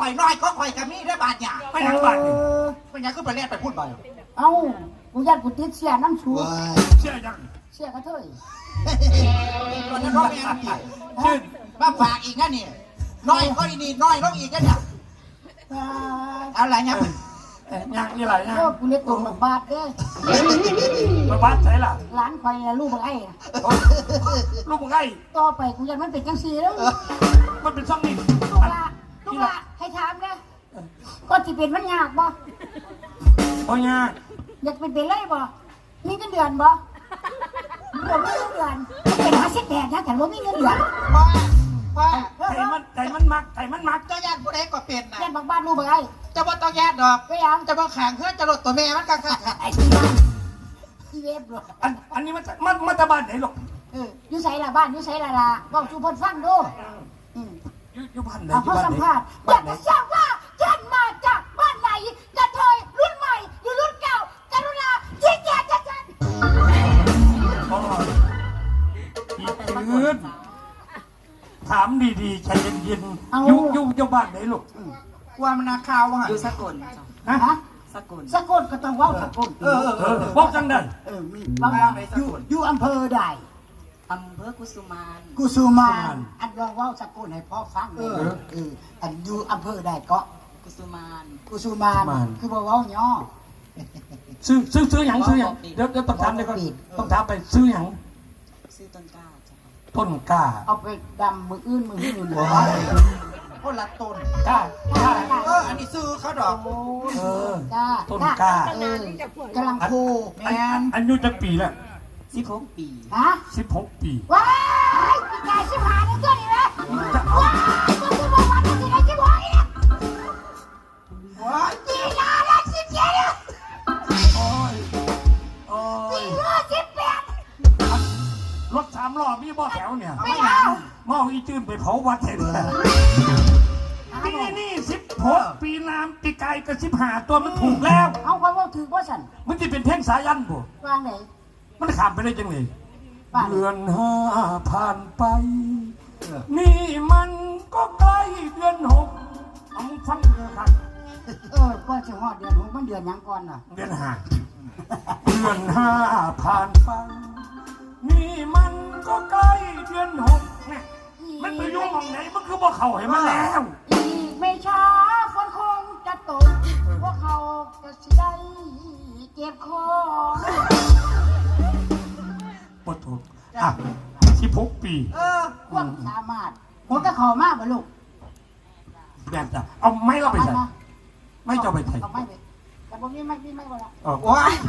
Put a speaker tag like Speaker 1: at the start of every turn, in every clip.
Speaker 1: อยน้อยก็ข่อยกับมีได้บาดหยาไม่ยังบาดไม่ยังก็ไปเล่นไปพูดไป
Speaker 2: เอ้ากูยัดกูติดเสียน้ำชู
Speaker 3: เชื่อยัง
Speaker 2: เสียกระเทย
Speaker 1: ตอนนั้นร้องยังอีกชื่นมาฝากอีกนะนี่น้อยก็นี่น้อยร้องอีกนะเนี่ยอะไรเนี่ย
Speaker 3: ยังนี่ไรยัง
Speaker 2: กูเรียกตัวบักบาดเด้
Speaker 3: บักบาดใช่ล่ะ
Speaker 2: ร้านคอยลูกบักไอ้
Speaker 3: ลูกบักไอ้
Speaker 2: ต่อไปกูยัดมันเป็นจังสีแล้ว
Speaker 3: มันเป็นช่องนี้
Speaker 2: ลูกละให้ถามนะก็ที่เป็นมันยากบ่
Speaker 3: โอ้ย
Speaker 2: อยากเป็นเลยบ่มีเงินเดือนบ่ผมมีเงินเดือนเป็น58นะแต่ว่ามีเงินเดือน
Speaker 1: ว่า
Speaker 3: ใจมันมัก
Speaker 1: เจ้าญาติผู้ใดก็เป็นนะ
Speaker 2: ญาติบางบ้านลูกบักไอ้
Speaker 1: จะบ่ต้องญาติดอก
Speaker 2: ก็ยัง
Speaker 1: จะบ่แข่งเพื่อจะลดตัวแม่มันกันค่ะ
Speaker 2: ไอ้ที่บ้านที่เว็บหรอ
Speaker 3: อันนี้มันตะบ้านไหนหรอก
Speaker 2: อยู่ไสล่ะบ้านอยู่ไสล่ะบอกชูพลฟังดู
Speaker 3: อยู่บ้านไหน
Speaker 2: เขาสัมภาษณ์อยากจะทราบว่าท่านมาจากบ้านไหนกระเทยรุ่นใหม่หรือรุ่นเก่ากรุณาชี้แจงชัดๆ
Speaker 3: ยืนถามดีๆใจเย็นๆอยู่บ้านไหนลูก
Speaker 1: ว่ามันนาข่าว
Speaker 4: อยู่สกล
Speaker 2: ฮะสกลก็ต้องว่าสกล
Speaker 3: บอกจังได้
Speaker 2: บางอยู่อำเภอใด
Speaker 4: อำเภอกุสุ
Speaker 2: มานอันลองว่าสกลให้พ่อฟังอันอยู่อำเภอใดก็
Speaker 4: กุสุมาน
Speaker 2: คือบอกว่าย่อ
Speaker 3: ซื้อหยังเดี๋ยวต้องถามเลยก่อนต้องถามไปซื้อหยัง
Speaker 4: ซื้อต้นกล้า
Speaker 3: ต้นกล้า
Speaker 2: เอาไปดำมืออื่นหัว
Speaker 1: คนละต้น
Speaker 3: กล้า
Speaker 1: อันนี้ซื้อเขาดอก
Speaker 3: ต้นกล้
Speaker 2: ากำลังโค
Speaker 1: แมน
Speaker 3: อายุจะปีแล้ว
Speaker 4: 16 ปี
Speaker 2: ฮะ
Speaker 3: 16 ปี
Speaker 2: ว้ายกาย15นี่ตัวนี้นะว้ายมันคือบอกว่ามันคือได้16นี่นะว้ายจีน่าละ17เนี่ย
Speaker 3: โอ้ย
Speaker 2: 18
Speaker 3: รถ3 ล้อมีบ่แถวเนี่ย
Speaker 2: ไม่เอา
Speaker 3: มองอีจื้นไปเผาวัดเห็นนี่16 ปีน้ำปีไก่กับ15 ตัวมันถูกแล้ว
Speaker 2: เอาความว่าถือว่าฉัน
Speaker 3: มันจะเป็นเพ่งสายันบ่
Speaker 2: วางไหน
Speaker 3: มันขามไปได้จังเลยเดือน5ผ่านไปนี่มันก็ใกล้เดือน6เอามึงฟังดูครับ
Speaker 2: ก่อนจะฮอดเดือน6มันเดือนยังก่อนน่ะ
Speaker 3: เดือน5ผ่านไปนี่มันก็ใกล้เดือน6เนี่ยมันไปยุ่งมองไหนมันคือบ่เข้าให้มันแล้ว
Speaker 2: อีกไม่ช้าฝนคงจะตกพวกเขาจะสิได้เก็บของ
Speaker 3: ปวดถูก16 ปี
Speaker 2: ความสามารถหัวกระขอมากบ่ลูก
Speaker 3: แบบจะเอาไม้เราไปใส่ไม่จะไปใส่
Speaker 2: เอาไม้ไปแต่ผมนี่ไม่บ่ละ
Speaker 1: โอ้ย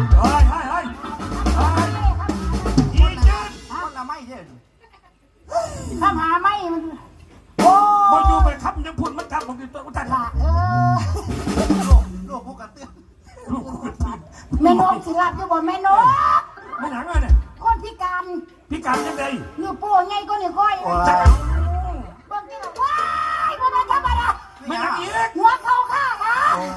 Speaker 3: อีจืด
Speaker 1: คนละไม่เด่น
Speaker 2: ข้ามหาไม่มันโอ้
Speaker 3: มาอยู่ไปครับยังพูดมันครับมันคือตัวจัด
Speaker 2: ละ
Speaker 1: ลูกพวกกันเตือน
Speaker 3: ลูกกันเตือน
Speaker 2: แม่นกสิรับอยู่บ่แม่นก
Speaker 3: ไม่หนังเลยเนี่ย
Speaker 2: คนพิการ
Speaker 3: ยังไง
Speaker 2: นิ้วโป้งไงก็นิ้วก้อยบางทีแบบว้ายมันไม่ธรรมดา
Speaker 3: ไม่หนังอีก
Speaker 2: หัวเข่าข้านะ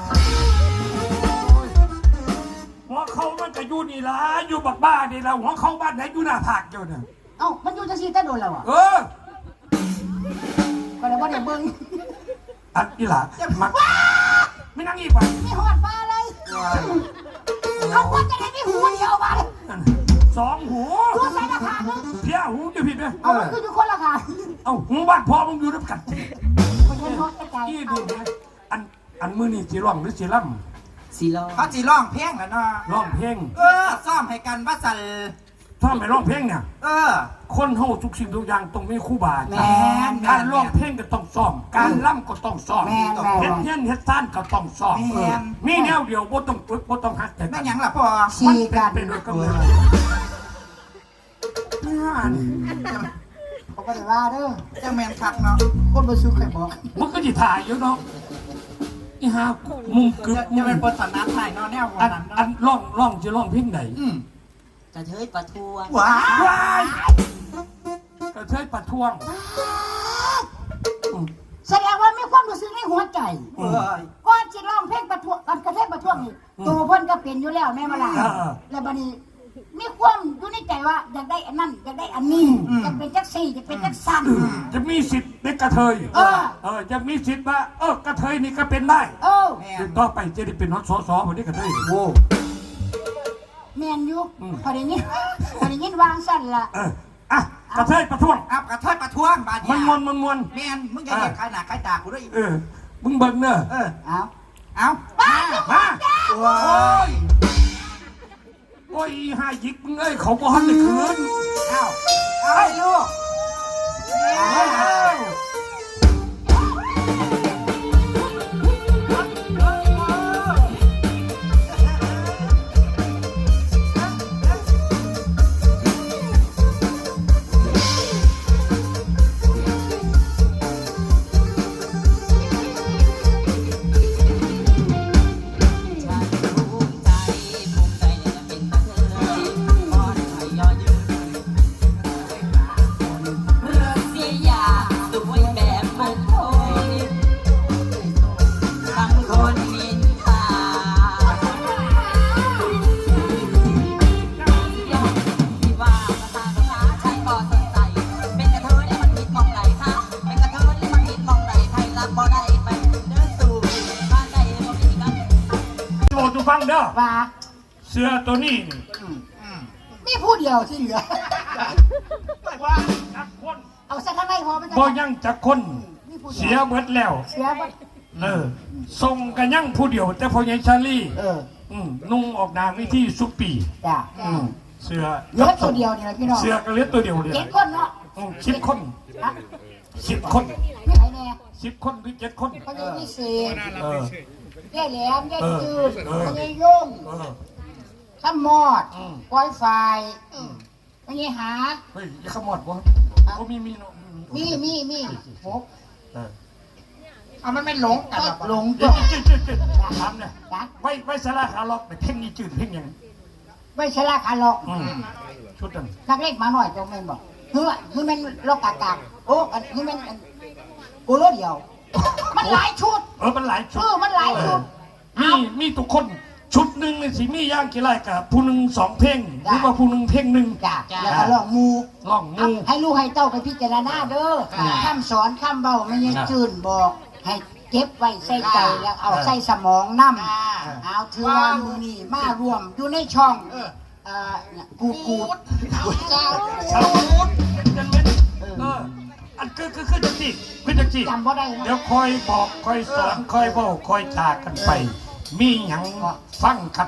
Speaker 3: หัวเข่ามันจะอยู่นี่ละอยู่บักบ้านี่ละหัวเข่าบ้านไหนอยู่หน้าผากอยู่เนี่ย
Speaker 2: มันอยู่จะซีแต่โดนแล้วอ่ะก็เลยว่าเดี๋ยวเบิ้ง
Speaker 3: อัดอีหล่ะมักไม่นั่งอีกว่ะ
Speaker 2: ไม่หอดปลาเลยเขาควรจะได้ไม่หูเดียวมาเลย
Speaker 3: 2 หู
Speaker 2: ตัวใส่ราคา
Speaker 3: เพี้ยหูจะผิดไหม
Speaker 2: มันคืออยู่คนราคา
Speaker 3: หูบ้านพ่อมึงอยู่น้ำกัดที
Speaker 2: นี่
Speaker 3: ดูนะอันมือนี่จีร้องหรือจีล่
Speaker 4: ำจีร้อง
Speaker 1: เขาจีร้องเพลงกันเนาะ
Speaker 3: ร้องเพลง
Speaker 1: ซ้อมให้กันว่าสัน
Speaker 3: ชอบไปร้องเพลงเนี่ยคนเฮาทุกสิ่งทุกอย่างต้องมีครูบาการร้องเพลงก็ต้องซ้อมการล่ำก็ต้องซ้อมเฮ็ดเฮี้ยนเฮ็ดซ่านก็ต้องซ้อมมีแนวเดียวบ่ต้องฝึกบ่ต้องหัดแต่
Speaker 1: ไม่ยังล่ะพ่อ
Speaker 2: ชีกัน
Speaker 3: เป็นด้วยกันเลย
Speaker 2: เขาก็จะว่าเด้อ
Speaker 1: จังแมนคักเนาะ
Speaker 2: คนบ่ซื้อใครบอก
Speaker 3: มันก็สิถ่ายอยู่เนาะอีหามุมกึก
Speaker 1: จะเป็นบทสนทนาไทยเนาะแนววันนั้น
Speaker 3: อันร้องจะร้องเพลงไหน
Speaker 4: กระเทยประท้วง
Speaker 1: ว้าย
Speaker 3: กระเทยประท้วง
Speaker 2: แสดงว่ามีความรู้สึกในหัวใจก่อนจะร้องเพลงประท้วงกันกระเทยประท้วงนี่ตัวเพิ่นก็เป็นอยู่แล้วแม่มาล่ะแล้วบัดนี้มีความอยู่ในใจว่าอยากได้อันนั้นอยากได้อันนี้จะเป็นจักสี่จะเป็นจักสัน
Speaker 3: จะมีสิทธิ์เป็นกระเทยจะมีสิทธิ์ว่ากระเทยนี่ก็เป็นได้ต่อไปจะได้เป็นสสวันนี้กระเทยโว้
Speaker 2: แมนอยู่พอได้ยินวางสั่นละ
Speaker 3: กระเทยประท้วง
Speaker 1: กระเทยประท้วงบาด
Speaker 3: มันมวน
Speaker 1: แมนมึงอย่าเรียกขนาดขายตากูด้วย
Speaker 3: มึงเบิ่งเนอะ
Speaker 1: เอา
Speaker 3: โอ้ยหายิกมึงเขาก็หันเลยคืน
Speaker 1: เอาลูก
Speaker 3: ฟังเด้อ
Speaker 2: ว่า
Speaker 3: เสื้อตัวนี้
Speaker 2: มีผู้เดียวที่เหลือ
Speaker 3: ว่าจักคน
Speaker 2: เอาสักข้างในพอไม่
Speaker 3: ได้บ่ยังจักคนเสียเบิดแล้วส่งกันยังผู้เดียวแต่พอยังชาลีนุ่งออกนามวิธีสุปี
Speaker 2: จ้ะ
Speaker 3: เสื้อ
Speaker 2: เหลือตัวเดียวนี่แหละพี่น้อง
Speaker 3: เสื้อก็เหลือตัวเดียว
Speaker 2: เจ็ดคนเนาะ
Speaker 3: 10 คน10 คน
Speaker 2: ไม่ไหนแน่
Speaker 3: 10 คนหรือ7 คน
Speaker 2: เขาจะพิเศษแย่แหลมแย่จืดแย่ยุ่งข้ามมอดปล่อยไฟไม่ใช่หา
Speaker 3: เฮ้ยอย่าขมอดวะก็มี
Speaker 2: หก
Speaker 1: มันไม่หลงกัน
Speaker 2: หลง
Speaker 3: ก็ทำเนี่ยไว้สลาขาล็อกแต่เพ่งนี่จืดเพ่งยัง
Speaker 2: ไว้สลาขาล็อก
Speaker 3: ชุดนั้น
Speaker 2: นักเล็กมาหน่อยจงแม่นบอกคือมันล็อกกากโอ้คือมันกูรู้เดียวมันหลายชุด
Speaker 3: มันหลายชุด
Speaker 2: มันหลายชุด
Speaker 3: มีทุกคนชุดหนึ่งในสีมีย่างกี่ไรกับผู้หนึ่ง2 เพลงหรือว่าผู้หนึ่งเพลงหนึ่ง
Speaker 2: แล้วก็ลองมูให้ลูกให้เต้าไปพิจารณาเด้อข้ามสอนข้ามเบาไม่ยังจื่นบอกให้เก็บไว้ใส่ใจแล้วเอาใส่สมองน้ำเอาเถื่อมือนี่มารวมอยู่ในช่องกู
Speaker 3: อันคือจังจี
Speaker 2: จำบ่ได้
Speaker 3: เดี๋ยวคอยบอกคอยสอนคอยบอกคอยจากันไปมีหยังฟังกัน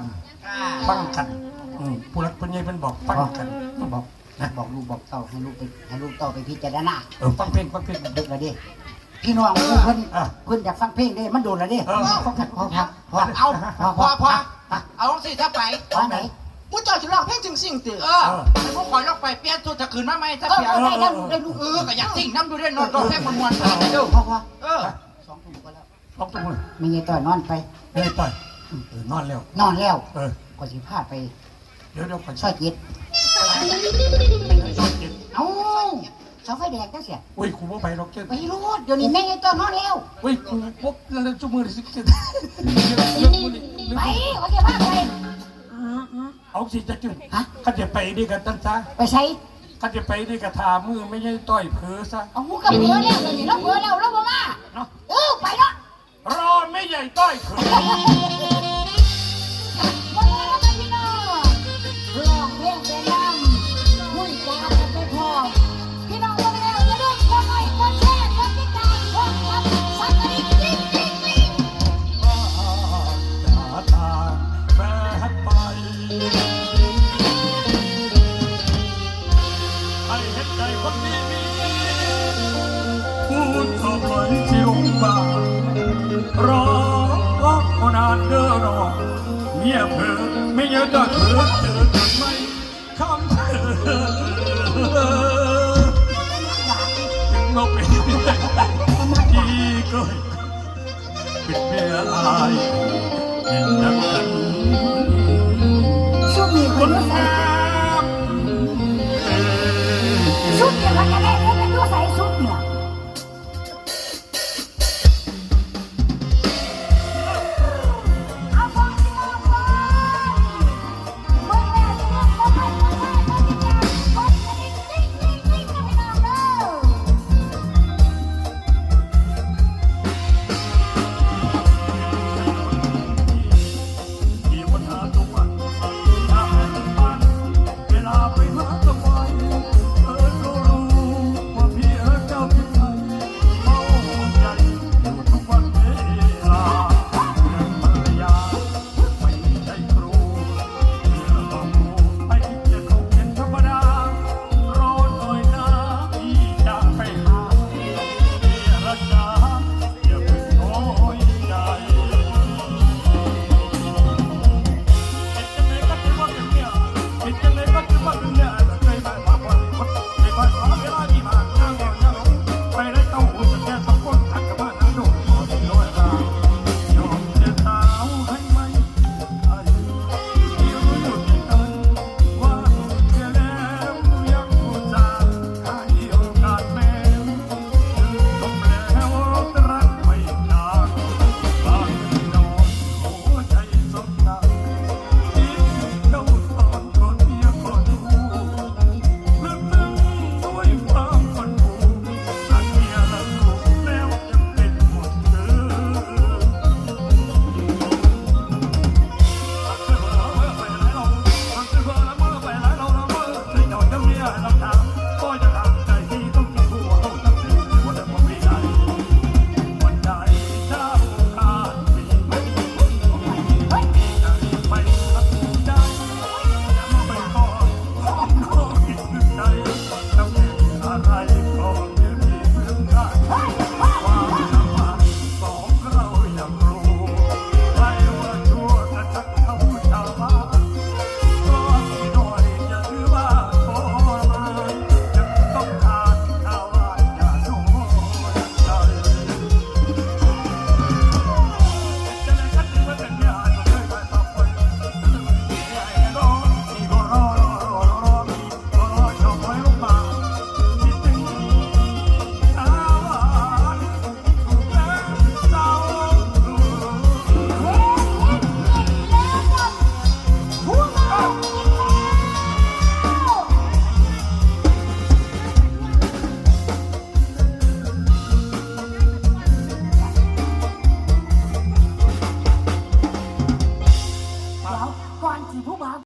Speaker 3: ผู้รักผู้ใหญ่เป็นบอกฟังกันบอกนะ
Speaker 2: บอกลูกบอกเต้าให้ลูกเต้าไปพิจารณา
Speaker 3: ฟังเพลง
Speaker 2: ดึกแล้วดิพี่น้องเพิ่นอยากฟังเพลงดิมันโดนแล้วดิพอ
Speaker 1: เอาสิถ้าไป
Speaker 2: ไหน
Speaker 1: ผู้เจ้าจะร้องเพลงจึงสิ่งตื่นให้พวกคอยร้องไปเปลี่ยนตัวจะคืนมาไหมถ้าเปลี่ยน
Speaker 2: ได้ลูก
Speaker 1: ก็อยากสิ่งน้ำดูด้วยนอนร้องเพลงมวนๆ
Speaker 2: เด้อพอ2 ทุ่มก็แล้ว
Speaker 3: 2 ทุ่ม
Speaker 2: ไม่ยัยต่อยนอนไป
Speaker 3: ไม่ยัยต่อยนอน
Speaker 2: แล้วก็สิพาไป
Speaker 3: เดี๋ยวไป
Speaker 2: ช่วยจิตเอ้าเสาไฟแดงก็เสีย
Speaker 3: อุ้ยกูบ่ไปหรอก
Speaker 2: ไปรู้เดี๋ยวนี้แม่ยัยต่อยนอนแล้ว
Speaker 3: อุ้ยกูปุ๊บแล้วจุ่มมือสิ
Speaker 2: ไปเขาจะพาไป
Speaker 3: เอาสิจะจุ่มเขาจะไปดีกันตั้งซะ
Speaker 2: ไปใช้
Speaker 3: เขาจะไปดีกับทามือไม่ใช่ต่อยเผือซะ
Speaker 2: เอาหูกับเผือแล้วเดี๋ยวนี้เราเผือแล้วบ่มาไปเนาะ
Speaker 3: รอไม่ใหญ่ต้อยเผือ
Speaker 2: ร้องเพลงเป็นน้ำคุยจากันไปพอพี่น้องลงแล้วอย่าลืมกดไลค์กดแชร์กดติดตามกดซับสักกระดิ่งกริ๊ง
Speaker 3: จะตามแฝงไปให้เห็นใจคนนี้พูดขอบคุณที่องค์บารอนานเด้อรอเงียบเพิ่งไม่เยอะก็เถิดเจอกันไหมคำเธอถึงเราเป็นที่ก็เป็นเมียลายเห็นดังกัน
Speaker 2: ช่วงนี้คนรู้สึก